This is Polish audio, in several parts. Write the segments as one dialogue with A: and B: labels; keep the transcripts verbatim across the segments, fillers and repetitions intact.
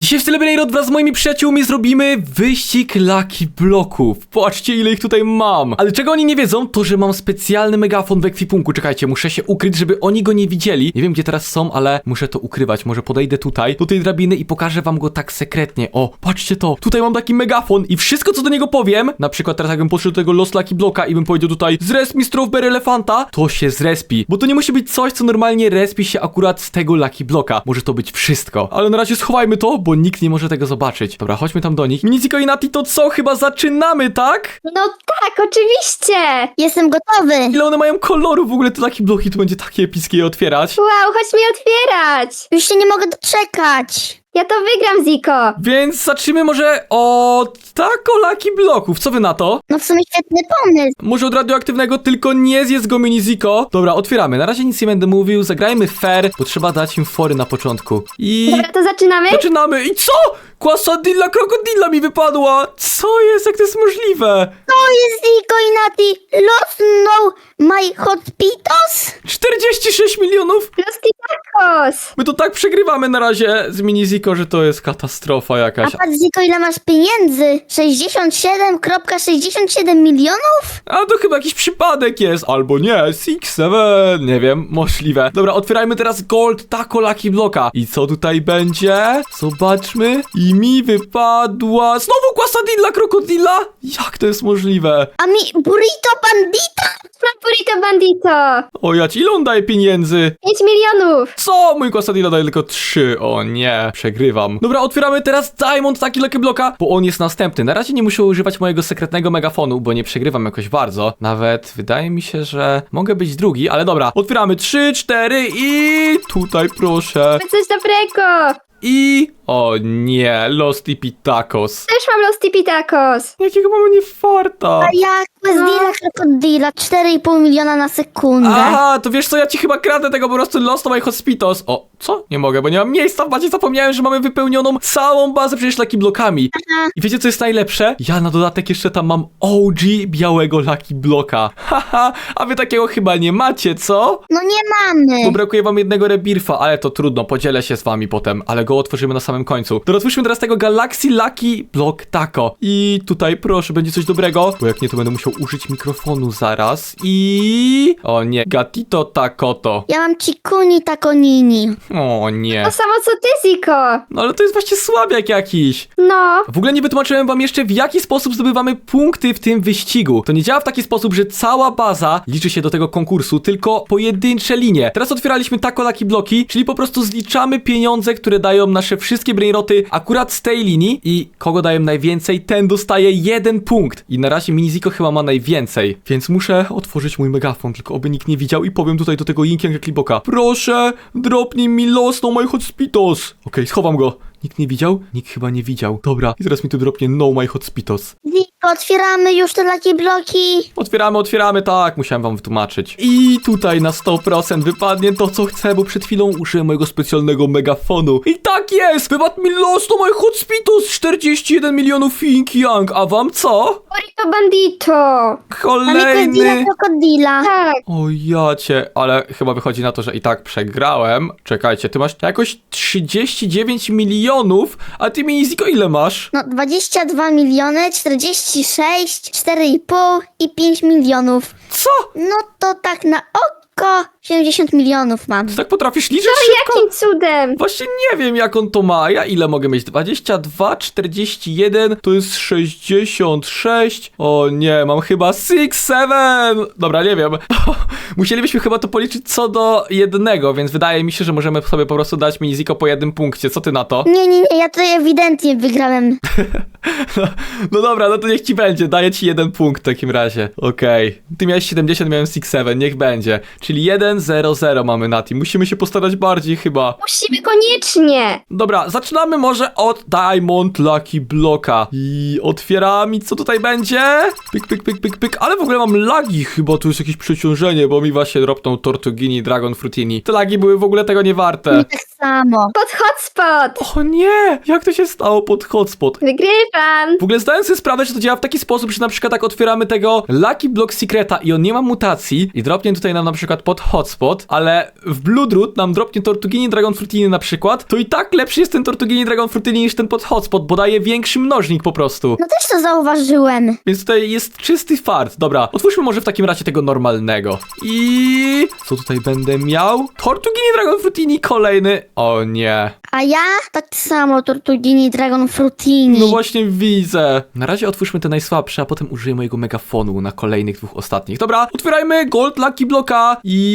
A: Dzisiaj w Celebrate wraz z moimi przyjaciółmi zrobimy wyścig Lucky Bloków. Patrzcie, ile ich tutaj mam. Ale czego oni nie wiedzą, to że mam specjalny megafon w ekwipunku. Czekajcie, muszę się ukryć, żeby oni go nie widzieli. Nie wiem, gdzie teraz są, ale muszę to ukrywać. Może podejdę tutaj, do tej drabiny i pokażę wam go tak sekretnie. O, patrzcie to. Tutaj mam taki megafon i wszystko, co do niego powiem, na przykład teraz jakbym podszedł do tego Lost Lucky Bloka i bym powiedział tutaj zresp mi Strawberry Elefanta, to się zrespi. Bo to nie musi być coś, co normalnie respi się akurat z tego Lucky Bloka. Może to być wszystko. Ale na razie schowajmy to, bo nikt nie może tego zobaczyć. Dobra, chodźmy tam do nich. Miniziko i Nati, to co? Chyba zaczynamy, tak?
B: No tak, oczywiście!
C: Jestem gotowy.
A: Ile one mają kolorów w ogóle, te Lucky Bloki, to będzie takie epickie je otwierać.
B: Wow, chodź mi otwierać!
C: Już się nie mogę doczekać.
B: Ja to wygram, Ziko!
A: Więc zacznijmy może od tako Lucky Bloków. Co wy na to?
C: No w sumie świetny pomysł.
A: Może od radioaktywnego, tylko nie zjedz go, Miniziko. Dobra, otwieramy. Na razie nic nie będę mówił. Zagrajmy fair, bo trzeba dać im fory na początku. I...
B: Dobra, to zaczynamy?
A: Zaczynamy. I co? Kwasadilla krokodilla mi wypadła. Co jest? Jak to jest możliwe?
C: To jest Ziko i Nati. Lost no my hot pitos.
A: czterdzieści sześć milionów?
B: Los Tacos!
A: My to tak przegrywamy na razie z Miniziko, że to jest katastrofa
C: A
A: jakaś.
C: patrz Ziko, ile masz pieniędzy. sześćdziesiąt siedem przecinek sześćdziesiąt siedem milionów?
A: A to chyba jakiś przypadek jest, albo nie, six, seven, nie wiem, możliwe. Dobra, otwierajmy teraz Gold Taco Lucky Bloka. I co tutaj będzie? Zobaczmy. I mi wypadła... Znowu Kwasadilla krokodilla? Jak to jest możliwe?
C: A mi burrito bandita?
B: Mam burrito bandito!
A: O ja ci, ile on daje pieniędzy?
B: pięć milionów!
A: Co? Mój Kwasadilla daje tylko trzy. O nie, przegrywam. Dobra, otwieramy teraz Diamond taki Lucky Bloka, bo on jest następny. Na razie nie muszę używać mojego sekretnego megafonu, bo nie przegrywam jakoś bardzo. Nawet wydaje mi się, że mogę być drugi, ale dobra. Otwieramy trzy, cztery i tutaj proszę.
B: Coś dobrego!
A: I... O nie, Los Tacos.
B: Też mam Los Tacos!
A: Jakiego mamy nie farta.
C: A ja Quesdilla krokodila. cztery i pół miliona na sekundę.
A: Aha, to wiesz co, ja ci chyba kradę tego po prostu Lost My Hospitos. O, co? Nie mogę, bo nie mam miejsca w bazie, zapomniałem, że mamy wypełnioną całą bazę przecież Lucky Blokami.
C: Aha.
A: I wiecie co jest najlepsze? Ja na dodatek jeszcze tam mam O G białego Lucky Bloka. Haha, a wy takiego chyba nie macie, co?
C: No nie mamy.
A: Bo brakuje wam jednego rebirfa, ale to trudno, podzielę się z wami potem, ale go otworzymy na samym końcu. To otwórzmy teraz tego Galaxy Lucky Block Taco. I tutaj proszę, będzie coś dobrego, bo jak nie, to będę musiał użyć mikrofonu zaraz. I... O nie, Gatito Takoto.
C: Ja mam Cikuni Takonini.
A: O nie.
B: To samo co ty, Ziko!
A: No ale to jest właśnie słabiak jakiś.
B: No,
A: W ogóle nie wytłumaczyłem wam jeszcze, w jaki sposób zdobywamy punkty w tym wyścigu. To nie działa w taki sposób, że cała baza liczy się do tego konkursu, tylko pojedyncze linie. Teraz otwieraliśmy tako Lucky Bloki, czyli po prostu zliczamy pieniądze, które dają nasze wszystkie brainroty akurat z tej linii i kogo dają najwięcej, ten dostaje jeden punkt. I na razie Miniziko chyba ma najwięcej, więc muszę otworzyć mój megafon, tylko oby nikt nie widział i powiem tutaj do tego Yinkianga Kliboka. Proszę, dropnij mi Los No My Hospitos. Okej, schowam go. Nikt nie widział? Nikt chyba nie widział. Dobra, i teraz mi tu dropnie No My Hospitos.
C: Ziko, otwieramy już te Lucky Bloki.
A: Otwieramy, otwieramy, tak, musiałem wam wytłumaczyć. I tutaj na sto procent wypadnie to, co chcę, bo przed chwilą użyłem mojego specjalnego megafonu. I tak jest! Wypadł mi Los No My Hospitos, czterdzieści jeden milionów Ying Yang, a wam co?
B: burrito bandito!
C: A mi Quesdilla
A: Kolejny...
C: krokodila.
B: Tak,
A: O jacie, ale chyba wychodzi na to, że i tak przegrałem. Czekajcie, ty masz jakoś trzydzieści dziewięć milionów, a ty Miniziko ile masz?
C: No dwadzieścia dwa miliony, czterdzieści sześć, cztery i pół i pięć milionów.
A: Co?
C: No to tak na oko siedemdziesiąt milionów mam.
A: Ty tak potrafisz liczyć
B: no
A: szybko?
B: jakim cudem!
A: Właśnie nie wiem, jak on to ma. Ja ile mogę mieć? dwadzieścia dwa, czterdzieści jeden, to jest sześćdziesiąt sześć. O nie, mam chyba six, seven. Dobra, nie wiem. Musielibyśmy chyba to policzyć co do jednego, więc wydaje mi się, że możemy sobie po prostu dać Miniziko po jednym punkcie. Co ty na to?
C: Nie, nie, nie, ja tutaj ewidentnie wygrałem.
A: No, no dobra, no to niech ci będzie. Daję ci jeden punkt w takim razie. Okej. Ty miałeś siedemdziesiąt, miałem six, seven. Niech będzie. Czyli jeden, zero, zero mamy na tym. Musimy się postarać bardziej chyba.
B: Musimy koniecznie!
A: Dobra, zaczynamy może od Diamond Lucky Bloka. I otwieramy, co tutaj będzie? Pyk, pyk, pyk, pyk, pyk. Ale w ogóle mam lagi, chyba tu jest jakieś przeciążenie, bo mi właśnie dropną Tortugini, Dragon Fruitini. Te lagi były w ogóle tego nie warte.
C: Mi tak samo.
B: Pod hotspot!
A: O nie! Jak to się stało pod hotspot?
B: Wygrywam!
A: W ogóle zdałem sobie sprawę, że to działa w taki sposób, że na przykład tak otwieramy tego Lucky Block Secreta i on nie ma mutacji i dropnie tutaj nam na przykład pod hotspot. hotspot, ale w Bloodroot nam dropnie Tortugini Dragon Fruitini na przykład, to i tak lepszy jest ten Tortugini Dragon Fruitini niż ten pod hotspot, bo daje większy mnożnik po prostu.
C: No też to zauważyłem.
A: Więc tutaj jest czysty fart. Dobra, otwórzmy może w takim razie tego normalnego. I co tutaj będę miał? Tortugini Dragon Fruitini kolejny. O nie.
C: A ja tak samo Tortugini Dragon Fruitini.
A: No właśnie widzę. Na razie otwórzmy te najsłabsze, a potem użyję mojego megafonu na kolejnych dwóch ostatnich. Dobra, otwierajmy Gold Lucky Blocka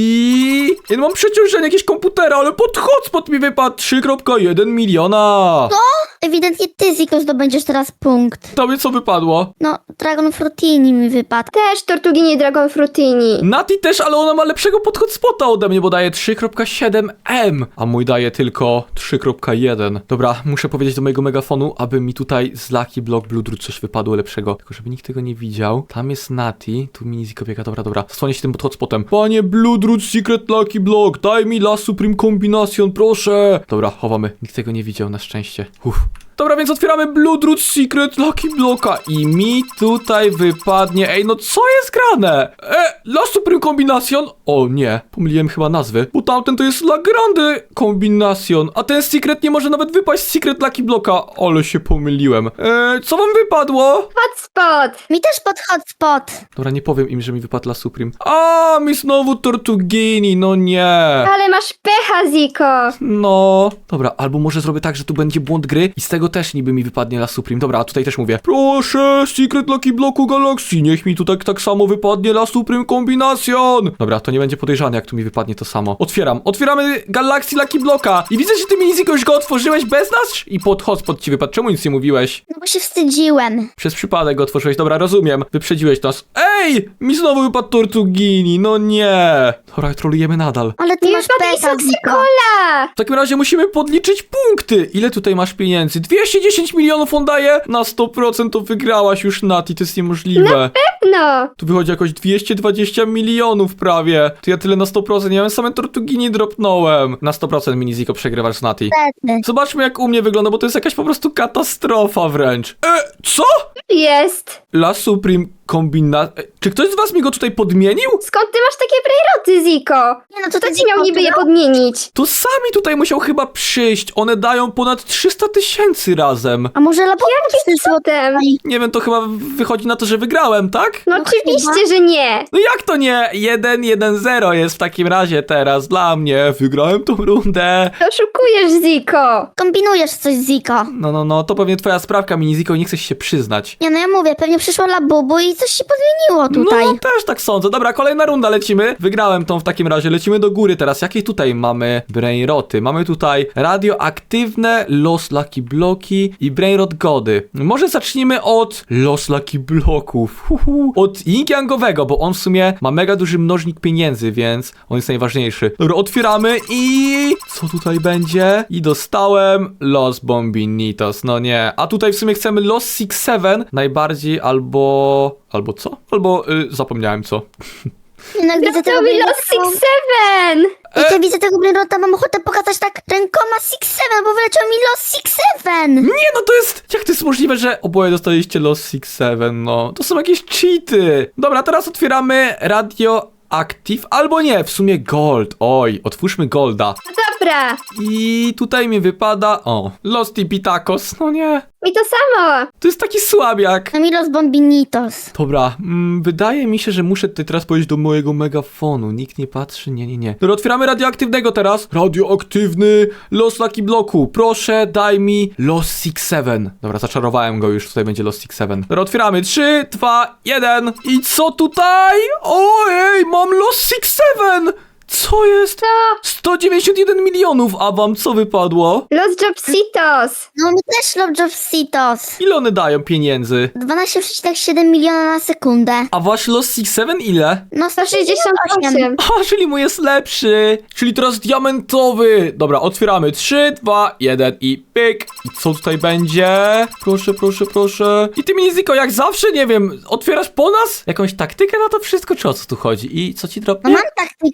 A: i... Ja mam przeciążenie jakiegoś komputera, ale pod hotspot mi wypadł trzy kropka jeden miliona.
C: Ewidentnie ty, Ziko, zdobędziesz teraz punkt.
A: Tobie co wypadło?
C: No, Dragon Fruitini mi wypadł.
B: Też Tortugini Dragon Fruitini.
A: Nati też, ale ona ma lepszego pod hotspota ode mnie, bo daje trzy kropka siedem M, a mój daje tylko trzy kropka jeden. Dobra, muszę powiedzieć do mojego megafonu, aby mi tutaj z Lucky Block Bloodroot coś wypadło lepszego. Tylko żeby nikt tego nie widział. Tam jest Nati, tu mini Ziko biega, dobra, dobra. Zasłonię się tym pod hotspotem. Panie Bloodroot Secret Lucky Block, daj mi La Supreme Combination, proszę. Dobra, chowamy. Nikt tego nie widział, na szczęście. Uff. Dobra, więc otwieramy Bloodroot Secret Lucky Blocka i mi tutaj wypadnie... Ej, no co jest grane? E, La Supreme Combination? O nie, pomyliłem chyba nazwy, bo tamten to jest La Grande Combination, a ten Secret nie może nawet wypaść z Secret Lucky Blocka. Ale się pomyliłem. E, co wam wypadło?
B: Hotspot.
C: Mi też pod hotspot.
A: Dobra, nie powiem im, że mi wypadł La Supreme. A, mi znowu Tortugini, no nie.
B: Ale masz pecha, Ziko.
A: No, dobra, albo może zrobię tak, że tu będzie błąd gry i z tego też niby mi wypadnie La Supreme. Dobra, a tutaj też mówię. Proszę, Secret Lucky Blocku Galaxy, niech mi tu tak, tak samo wypadnie La Supreme Combination. Dobra, to nie będzie podejrzane, jak tu mi wypadnie to samo. Otwieram, otwieramy Galaxy Lucky Blocka i widzę, że ty mi już go otworzyłeś bez nas i pod hotspot ci wypadł. Czemu nic nie mówiłeś?
C: No bo się wstydziłem.
A: Przez przypadek go otworzyłeś. Dobra, rozumiem. Wyprzedziłeś nas. Ej! Mi znowu wypadł Tortugini, no nie. Dobra, trolujemy nadal.
C: Ale ty
B: Nie
C: masz
B: wypadł
C: pecha,
B: Isaac
C: Ziko.
B: Cola.
A: W takim razie musimy podliczyć punkty. Ile tutaj masz pieniędzy? dwieście dziesięć milionów on daje? Na sto procent to wygrałaś już, Nati, to jest niemożliwe.
B: No.
A: Tu wychodzi jakoś dwieście dwadzieścia milionów prawie. To ja tyle na sto procent, ja same Tortugini dropnąłem. Na sto procent mini Ziko przegrywasz z Nati.
C: Niestety.
A: Zobaczmy jak u mnie wygląda, bo to jest jakaś po prostu katastrofa wręcz. E, co?
B: Jest.
A: La Supreme kombina... E, czy ktoś z was mi go tutaj podmienił?
B: Skąd ty masz takie brejroty, Ziko?
C: Nie no, to
B: Kto
C: ty
B: ci miał niby je
C: no?
B: podmienić?
A: To sami tutaj musiał chyba przyjść. One dają ponad trzysta tysięcy razem.
C: A może laboratorium przyszło?
B: Potem.
A: Nie wiem, to chyba wychodzi na to, że wygrałem, tak?
B: No
C: No
B: oczywiście,
C: chyba.
B: że nie.
A: No jak to nie? jeden jeden zero jest w takim razie teraz dla mnie. Wygrałem tą rundę.
B: Oszukujesz, Ziko.
C: Kombinujesz coś, Ziko.
A: No, no, no, to pewnie twoja sprawka, Miniziko, i nie chcesz się przyznać.
C: Nie no, ja mówię, pewnie przyszło labubu i coś się podmieniło tutaj.
A: No, też tak sądzę. Dobra, kolejna runda, lecimy. Wygrałem tą w takim razie, lecimy do góry teraz. Jakie tutaj mamy brainroty? Mamy tutaj radioaktywne Los Lucky Bloki i brainrot gody. Może zacznijmy od Los Lucky Bloków. Huhu. Od Ying-Yangowego, bo on w sumie ma mega duży mnożnik pieniędzy, więc on jest najważniejszy. Dobra, otwieramy i... co tutaj będzie? I dostałem Los Bombinitos. No nie. A tutaj w sumie chcemy Los Six Seven najbardziej, albo... albo co? Albo y, zapomniałem co.
C: Jednak widzę tego
B: To mi los
C: brainrota.
B: Six Seven.
C: Jak ja widzę tego brainrota, mam ochotę pokazać tak rękoma Six Seven, bo wyleciał mi los Six Seven.
A: Nie, no to jest... jak to jest możliwe, że oboje dostaliście Los Six Seven, no. To są jakieś cheaty. Dobra, teraz otwieramy Radio Active, albo nie, w sumie Gold. Oj, otwórzmy Golda.
B: Dobra.
A: I tutaj mi wypada... o, Los Tipitacos, no nie.
B: I to samo.
A: To jest taki słabiak.
C: No mi los Bombinitos.
A: Dobra, mm, wydaje mi się, że muszę tutaj teraz powiedzieć do mojego megafonu. Nikt nie patrzy, nie, nie, nie. Dobra, otwieramy radioaktywnego teraz. Radioaktywny Los Lucky Bloku. Proszę, daj mi Los Six Seven. Dobra, zaczarowałem go już, tutaj będzie Los Six Seven. Dobra, otwieramy. trzy, dwa, jeden. I co tutaj? Ojej, mam Los Six Seven. Co jest?
B: To
A: sto dziewięćdziesiąt jeden milionów, a wam co wypadło?
B: Los Jobsitos.
C: No mi też Lobjobsitos.
A: Ile one dają pieniędzy?
C: dwanaście przecinek siedem miliona na sekundę.
A: A wasz Los Six Seven ile?
C: No
B: sto sześćdziesiąt osiem.
A: A, czyli mój jest lepszy. Czyli teraz diamentowy. Dobra, otwieramy. trzy, dwa, jeden i pyk. I co tutaj będzie? Proszę, proszę, proszę. I ty, Miniziko, jak zawsze, nie wiem, otwierasz po nas? Jakąś taktykę na to wszystko, czy o co tu chodzi? I co ci
C: No
A: dropnie?
C: mam taktykę.
A: Tak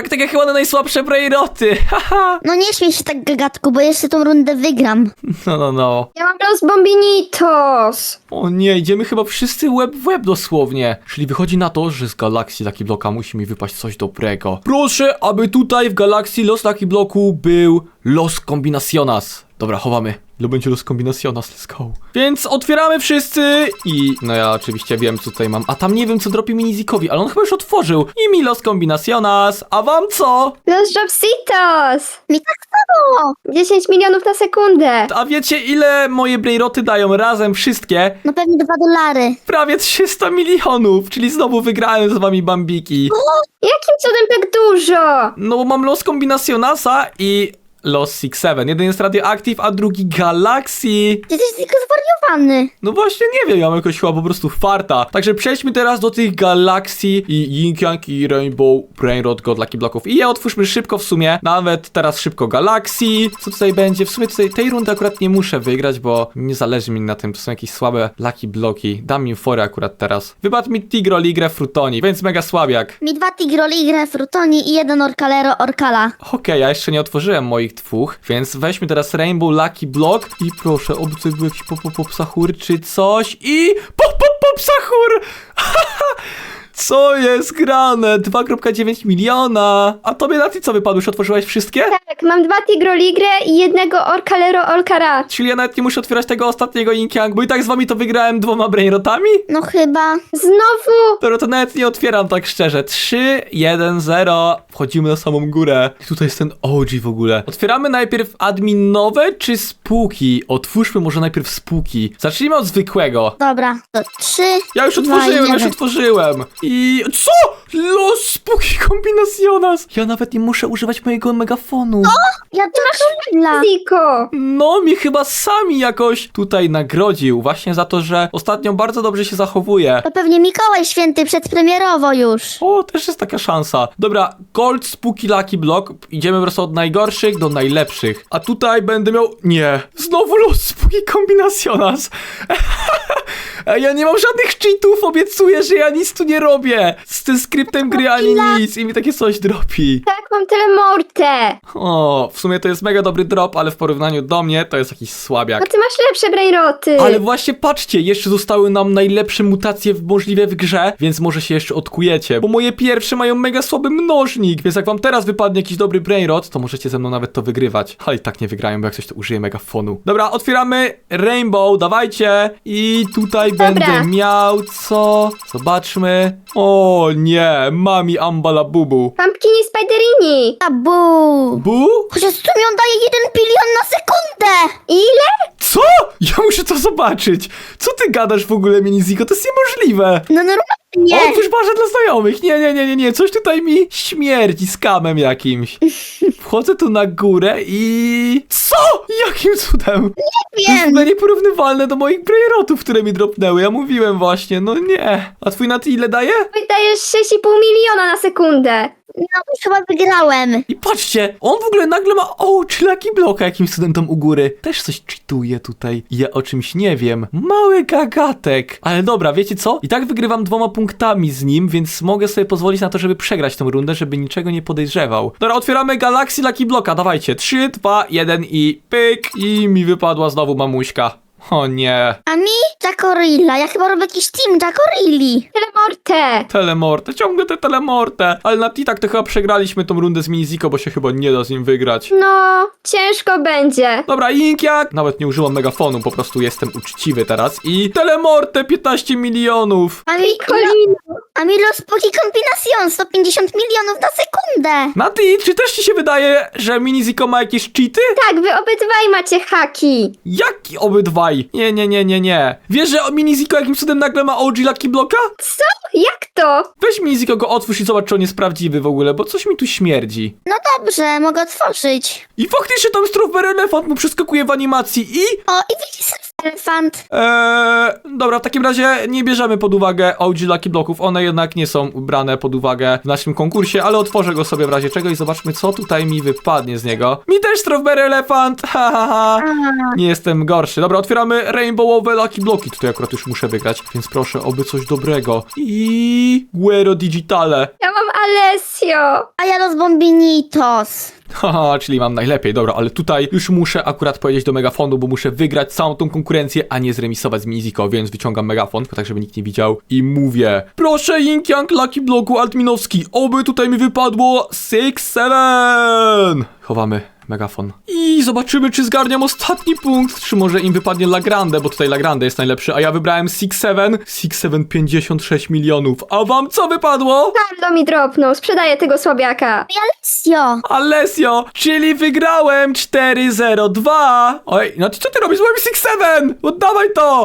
A: tak, takie chyba na najsłabsze brejroty. Haha.
C: No nie śmiej się tak, gagatku, bo jeszcze tą rundę wygram.
A: No, no, no.
B: Ja mam los Bombinitos.
A: O nie, idziemy chyba wszyscy łeb w łeb dosłownie. Czyli wychodzi na to, że z galakcji Lucky Blocka musi mi wypaść coś dobrego. Proszę, aby tutaj w galakcji Los Lucky Blocku był Los Combinaciones. Dobra, chowamy. Ile będzie Los Combinaciones, let's go. Więc otwieramy wszyscy i... No ja oczywiście wiem, co tutaj mam. A tam nie wiem, co dropi Minizikowi, ale on chyba już otworzył. I mi Los Combinaciones. A wam co?
B: Los Dropsitos.
C: Mi tak samo.
B: dziesięć milionów na sekundę.
A: A wiecie, ile moje brejroty dają razem wszystkie?
C: No pewnie dwa dolary.
A: Prawie trzysta milionów, czyli znowu wygrałem z wami Bambiki.
B: Jakim cudem tak dużo?
A: No bo mam Los Combinacionesa i Los Six Seven. Jeden jest Radioactive, a drugi Galaxy.
C: Ty jesteś tylko zwariowany.
A: No właśnie nie wiem, ja mam jakoś chyba po prostu farta. Także przejdźmy teraz do tych Galaxy i Yin Yang i Rainbow Brainrot God Lucky Blocków. I je otwórzmy szybko w sumie. Nawet teraz szybko Galaxy. Co tutaj będzie? W sumie tutaj tej rundy akurat nie muszę wygrać, bo nie zależy mi na tym. To są jakieś słabe Lucky Bloki. Dam im fory akurat teraz. Wypadł mi Tigro, Ligre, Frutoni, więc mega słabiak.
C: Mi dwa Tigroli, grę Frutoni i jeden Orkalero, Orkala.
A: Okej, ja jeszcze nie otworzyłem moich dwóch, więc weźmy teraz Rainbow Lucky Block i proszę, oby tutaj był jakiś pop pop pop sahur czy coś i pop pop pop sahur! Co jest grane? dwa przecinek dziewięć miliona. A tobie na ty co wypadło? Już otworzyłaś wszystkie?
B: Tak, mam dwa Tigroligre i jednego Orkalero Orkara.
A: Czyli ja nawet nie muszę otwierać tego ostatniego Yin Yang, bo i tak z wami to wygrałem dwoma brainrotami?
C: No chyba.
B: Znowu?
A: Dobra, to nawet nie otwieram tak szczerze. trzy, jeden, zero. Wchodzimy na samą górę. I tutaj jest ten O G w ogóle. Otwieramy najpierw adminowe czy spółki? Otwórzmy może najpierw spółki. Zacznijmy od zwykłego.
C: Dobra, to trzy.
A: Ja już
C: dwa,
A: otworzyłem, ja już
C: jeden.
A: otworzyłem. I... Co? Los spółki Combinaciones. Ja nawet nie muszę używać mojego megafonu.
C: Ja też chwila.
B: Ziko.
A: No, mi chyba sami jakoś tutaj nagrodził. Właśnie za to, że ostatnio bardzo dobrze się zachowuje.
C: To pewnie Mikołaj Święty przedpremierowo już.
A: O, też jest taka szansa. Dobra, Gold Spooky Lucky Block. Idziemy po prostu od najgorszych do najlepszych. A tutaj będę miał... Nie. Znowu Los Spooky Combinaciones. Ej, ja nie mam żadnych cheatów, obiecuję, że ja nic tu nie robię. Z tym skryptem gry ani nic i mi takie coś dropi.
B: Tak, mam telemortę.
A: O, w sumie to jest mega dobry drop, ale w porównaniu do mnie to jest jakiś słabiak.
B: A ty masz lepsze brejroty.
A: Ale właśnie patrzcie, jeszcze zostały nam najlepsze mutacje w- możliwe w grze, więc może się jeszcze odkujecie, bo moje pierwsze mają mega słaby mnożnik, więc jak wam teraz wypadnie jakiś dobry brainrot, to możecie ze mną nawet to wygrywać. Ale i tak nie wygrają, bo jak coś to użyję megafonu. Dobra, otwieramy Rainbow, dawajcie. I tutaj
B: Dobra.
A: będę miał co? Zobaczmy. O nie, mami ambalabubu.
B: Pumpkini Spiderini.
C: Tabu.
A: Bu?
C: Chociaż tu mi on daje jeden bilion na sekundę.
B: Ile?
A: Co? Ja muszę to zobaczyć. Co ty gadasz w ogóle, Miniziko? To jest niemożliwe.
C: No normalnie.
A: Otwórz barze dla znajomych. Nie, nie, nie, nie, nie. Coś tutaj mi śmierdzi skamem jakimś. Wchodzę tu na górę i... Co? Jakim cudem? To jest w
C: Wiem.
A: ogóle nieporównywalne do moich brainrotów, które mi dropnęły. Ja mówiłem właśnie, no nie. A twój na ty ile daje?
B: Wydajesz sześć i pół miliona na sekundę.
C: No już chyba wygrałem.
A: I patrzcie, on w ogóle nagle ma o, czy Lucky Blocka jakimś cudem tam u góry. Też coś cheatuje tutaj. Ja o czymś nie wiem. Mały gagatek. Ale dobra, wiecie co? I tak wygrywam dwoma punktami z nim, więc mogę sobie pozwolić na to, żeby przegrać tą rundę, żeby niczego nie podejrzewał. Dobra, otwieramy Galaxy Lucky Blocka, dawajcie. trzy, dwa, jeden i pyk. I mi wypadła znowu mamuśka. O nie.
C: A mi Jackorilla. Ja chyba robię jakiś team Jackorilli.
B: Telemortę.
A: Telemorte, ciągle te telemorte. Ale na T-tak to chyba przegraliśmy tą rundę z Miniziko, bo się chyba nie da z nim wygrać.
B: No, ciężko będzie.
A: Dobra, Yin Yang. Nawet nie użyłam megafonu, po prostu jestem uczciwy teraz. I Telemorte piętnaście milionów.
C: A mi,
B: Kolino.
C: a mi Los Poki Combinacion sto pięćdziesiąt milionów na sekundę.
A: Nati, czy też ci się wydaje, że Miniziko ma jakieś cheaty?
B: Tak, wy obydwaj macie haki.
A: Jaki obydwaj? Nie, nie, nie, nie, nie. Wiesz, że Miniziko jakim cudem nagle ma O G Lucky Blocka?
B: Co? Jak to?
A: Weź Miniziko go otwórz i zobacz, czy on jest prawdziwy w ogóle, bo coś mi tu śmierdzi.
C: No dobrze, mogę otworzyć.
A: I faktycznie tam Strawberry Elefant mu przeskakuje w animacji i...
C: O, i widzisz, Elefant.
A: Eee, dobra, w takim razie nie bierzemy pod uwagę O G Lucky Blocków, one jednak nie są brane pod uwagę w naszym konkursie, ale otworzę go sobie w razie czego i zobaczmy, co tutaj mi wypadnie z niego. Mi też Strawberry Elefant, ha, ha, ha. Nie jestem gorszy. Dobra, otwieramy rainbowowe Lucky Bloki, tutaj akurat już muszę wygrać, więc proszę, oby coś dobrego. I Guero Digitale.
B: Ja mam Alessio.
C: A ja los bombinitos.
A: Haha, czyli mam najlepiej, dobra, ale tutaj już muszę akurat powiedzieć do megafonu, bo muszę wygrać całą tą konkurencję, a nie zremisować z Miziko, więc wyciągam megafon, tylko tak, żeby nikt nie widział i mówię: proszę Ying Yang Lucky Bloku Altminowski, oby tutaj mi wypadło six seven. Chowamy megafon. I zobaczymy, czy zgarniam ostatni punkt, czy może im wypadnie Lagrande, bo tutaj Lagrande jest najlepszy, a ja wybrałem six seven. six seven pięćdziesiąt sześć milionów. A wam co wypadło?
B: Carlo mi dropnął, sprzedaję tego słabiaka.
C: Alessio.
A: Alessio, czyli wygrałem cztery zero dwa. Oj, no ty co ty robisz z moim six seven? Oddawaj to!